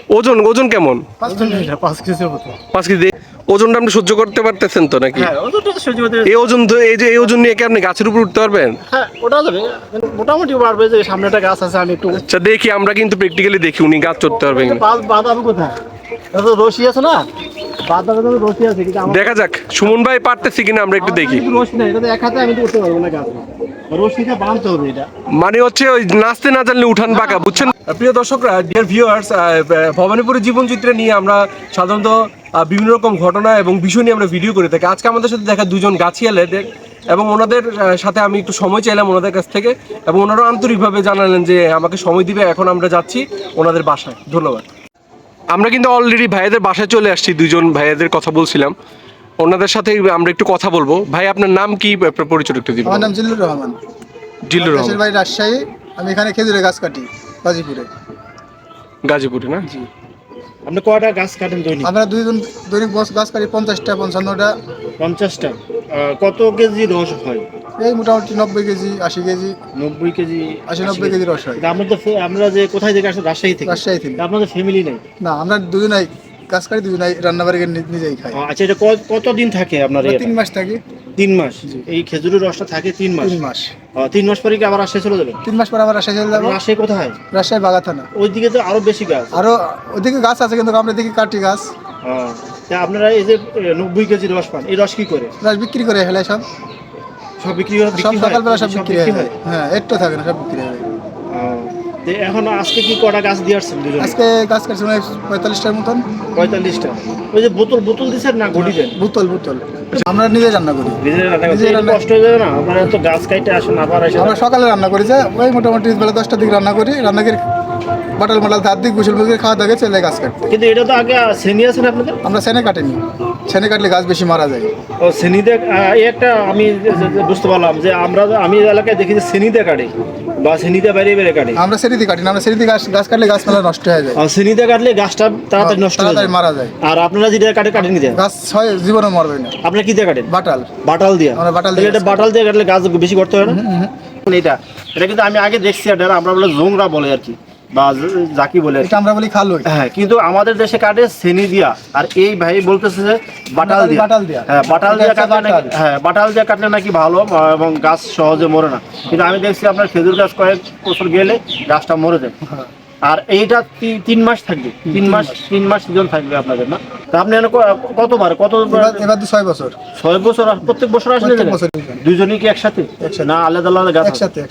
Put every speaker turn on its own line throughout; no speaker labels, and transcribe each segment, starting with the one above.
ওজন ওজন কেমন?
5 কেজির মতো।
5 কেজি। ওজনটা আপনি সহ্য করতে পারতেছেন তো নাকি?
হ্যাঁ, ওজনটা তো সহ্য করতে।
এই ওজন তো এই যে এই ওজন নিয়ে কি আপনি গাছের উপর উঠতে পারবেন?
হ্যাঁ, ওটা যাবে। কিন্তু মোটামুটি পারবে যে সামনে একটা গাছ আছে আমি একটু
আচ্ছা দেখি, আমরা কিন্তু প্র্যাকটিক্যালি দেখি উনি গাছ চড়তে পারবেন কিনা।
বাঁধাবো কোথায়? এটা তো রশি আছে না? বাঁধাবে তো রশি আছে কিন্তু আমার
দেখা যাক সুমন ভাই পারতেছি কিনা, আমরা একটু দেখি।
কিন্তু রশি নাই, এটা তো এক হাতে আমি তো উঠতে পারবো না গাছ। রশিটা বাঁধতে হবে এটা।
মানে হচ্ছে ওই নাচতে না জানলে উঠান বাঁকা, বুঝছেন? প্রিয় দর্শকরা, ডিয়ার ভিউয়ার্স, ভবানীপুরের জীবনচিত্রে নিয়ে আমরা সাধারণত বিভিন্ন রকম ঘটনা এবং বিষয় নিয়ে আমরা ভিডিও করে থাকি। আজকে আমাদের সাথে দেখা দুজন গাছিয়ালেদের, এবং ওনাদের সাথে আমি একটু সময় চাইলাম ওনাদের কাছ থেকে, এবং ওনারা আন্তরিকভাবে জানালেন যে আমাকে সময় দিবে। এখন আমরা যাচ্ছি ওনাদের বাসায়। ধন্যবাদ। আমরা কিন্তু অলরেডি ভাইয়াদের বাসায় চলে আসছি, দুজন ভাইয়াদের কথা বলছিলাম, ওনাদের সাথে আমরা একটু কথা বলবো। ভাই আপনার নাম কি, আপনার পরিচয় একটু দিবেন?
আমার নাম জিল্লুর রহমান।
জিল্লুর
দেশের
রহমান।
বাড়ি রাজশাহী। আমি এখানে খেজুরের গাছ কাটি গাজীপুরে।
গাজীপুরে না?
জি।
আপনি কয়টা গাছ কাটেন দৈনিক?
আমরা দুইজন দৈনিক গাছ কাটি 50টা 55টা।
50টা। কত কেজি রস হয়?
এই মোটামুটি 90 কেজি 80 কেজি
90 কেজি
80-90 কেজি রস হয়।
তা আমরা যে কোথায় থেকে আসলে রাজশাহী থেকে?
রাজশাহী থেকে।
তা আপনাদের ফ্যামিলি নেই?
না, আমরা দুজনাই গাছ কাটি, দুজনাই রান্নাবাড়ি করে নিজেই খাই।
আচ্ছা, এটা কতদিন থাকে আপনার?
আমরা 3 মাস থাকি।
3 মাস। এই খেজুরের রসটা থাকে 3 মাস?
3 মাস।
3 মাস পরে কি আবার রাজশাহী চলে যাবেন?
3 মাস পর আবার রাজশাহী চলে যাবো।
রাজশাহী কোথায়?
রাজশাহী বাগা থানা।
ওইদিকে তো আরো বেশি গাছ।
আরো ওদিকে গাছ আছে কিন্তু আমরা দেখি কাটি গাছ।
তা আপনারা এই যে 90 কেজি রস পান, এই রস কি করে?
গাছ বিক্রি করে ফেলে সব।
সব বিক্রি হয়?
সব সকালবেলা সব বিক্রি হয়। হ্যাঁ, একটু থাকে না, সব বিক্রি হয়।
তো এখন আজকে কি কটা গাছ দিয়ে আসছেন দুজনে?
আজকে গাছ কাটছি 45টার মতন।
45টা। ওই যে বোতল দিচ্ছেন না ঘটি দেন?
বোতল আমরা নিজে রান্না করি।
নিজেরা রান্না করতে
নিজেরা রান্না-
কষ্ট হয়ে যাবে না? আপনারা তো গাছ কাটতে আসেন আবার এসে।
আমরা সকালে রান্না করি, যে ওই মোটামুটি বেলা 10টার দিকে রান্না করি। রান্না করে বাটাল ধার দিক গোসল মুখে খাওয়া দাওয়া চলে গাছ কাটতে।
কিন্তু এটা তো আগে শ্রেণী আছে না আপনাদের?
আমরা সেনে কাটিনি। সেনে কাটলে গাছ বেশি মারা যায়।
ও শ্রেণীতে এই একটা আমি বুঝতে পারলাম যে আমি এলাকায় দেখি যে শ্রেণীতে কাটে বা শ্রেণীতে বাইরে কাটে।
আমরা সেরিতে কাটি না, আমরা সেরিতে গাছ কাটলে গাছ মেলা নষ্ট হয়ে যায়।
আর শ্রেণীতে কাটলে গাছটা তাড়াতাড়ি নষ্ট হয়ে যায়,
তাড়াতাড়ি মারা যায়।
আর আপনারা যেটা কাটেন কি দিয়ে?
গাছ হয় জীবনে মরবে না।
আপনারা কি দিয়ে কাটেন? বাটাল দিয়ে।
আমরা বাটাল দিয়ে
এটা বাটাল দিয়ে কাটলে গাছ বেশি করতে হয় না? এটা কিন্তু আমি আগে দেখছি, এটা আমরা বলে জোংরা বলে আর কি, বা জাকি বলে আর কি।
এটা আমরা বলি খালুই।
হ্যাঁ, কিন্তু আমাদের দেশে কাটে শ্রেণী দিয়া, আর এই ভাই বলতেছে যে বাটাল দিয়া। হ্যাঁ, বাটাল দিয়ে কাটলে নাকি, হ্যাঁ বাটাল দিয়ে কাটলে নাকি ভালো এবং গাছ সহজে মরে না। কিন্তু আমি দেখছি আপনার খেজুর গাছ কয়েক বছর গেলে গাছটা মরে যায়। আর এইটা 3 মাস থাকবে। 3 মাস সিজন থাকবে আপনাদের, না? তা আপনি কতবার
এবার 6 বছর।
6 বছর? আর প্রত্যেক বছর আসলে
প্রত্যেক বছর।
দুজনেই কি একসাথে না আলাদা আলাদা গাছ?
একসাথে।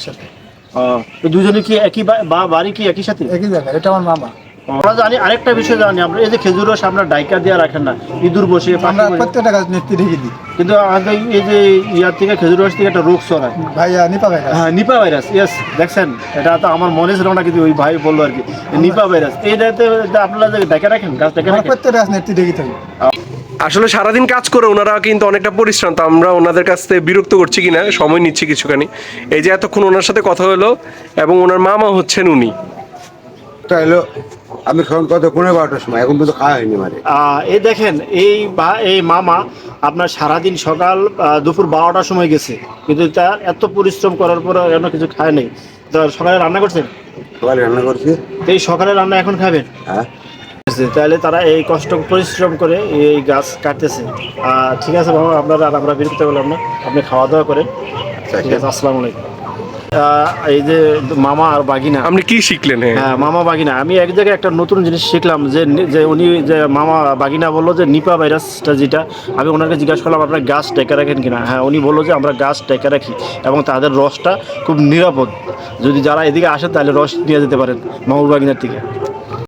তো দুজনে কি একই বাড়ি কি একই সাথে?
একই জায়গায়। এটা আমার মামা।
আমরা জানি আরেকটা বিষয় জানি, আমরা এই যে খেজুর রস আমরা ডাইকা দিয়ে রাখেন না, ইঁদুর বসে
আমরা প্রত্যেকটা গাছ নেত্রী ঢেকে দিই।
কিন্তু আমাদের এই যে ইয়ার থেকে খেজুর রস থেকে একটা রোগ ছড়ায়।
ভাইয়া নিপা ভাইরাস।
হ্যাঁ, নিপা ভাইরাস। ইয়েস, দেখছেন, এটা তো আমার মনে ছিল না, কিন্তু ওই ভাই বললো আর কি, নিপা ভাইরাস। এইটাতে আপনারা যে ডাইকা রাখেন, গাছ ডাইকা রাখেন?
প্রত্যেকটা গাছ নেত্রী ঢেকে থাকি।
আসলে সারাদিন কাজ করে ওনারা কিন্তু অনেকটা পরিশ্রান্ত। আমরা ওনাদের কাছ থেকে বিরক্ত করছি কিনা সময় নিচ্ছি কিছুখানি। এই যে এতক্ষণ ওনার সাথে কথা হলো, এবং ওনার মামা হচ্ছেন উনি।
হলো আমি কত 12টার সময়, এখন পর্যন্ত খাওয়া হয়নি মানে।
এই দেখেন, এই মামা আপনার সারাদিন সকাল দুপুর 12টার সময় গেছে, কিন্তু তার এত পরিশ্রম করার পর এখনো কিছু খায় নাই। তো সকালে রান্না করছেন?
সকালে রান্না করছি।
এই সকালে রান্না এখন খাবেন?
হ্যাঁ।
তাহলে তারা এই কষ্ট পরিশ্রম করে এই গাছ কাটতেছে। ঠিক আছে বাবা, আমরা বিরক্ত করলাম না, আপনি খাওয়া দাওয়া করেন। ঠিক আছে, আসসালামু আলাইকুম। এই যে মামা আর বাগিনা,
আপনি কি শিখলেন?
হ্যাঁ, মামা বাগিনা, আমি এক জায়গায় একটা নতুন জিনিস শিখলাম, যে উনি যে মামা বাগিনা বললো যে নিপা ভাইরাসটা যেটা, আমি ওনাকে জিজ্ঞাসা করলাম আপনারা গাছ টেকা রাখেন কিনা। হ্যাঁ, উনি বললো যে আমরা গাছ টেকা রাখি এবং তাদের রসটা খুব নিরাপদ। যদি যারা এদিকে আসেন তাহলে রস নিয়ে যেতে পারেন মামুর বাগিনার থেকে।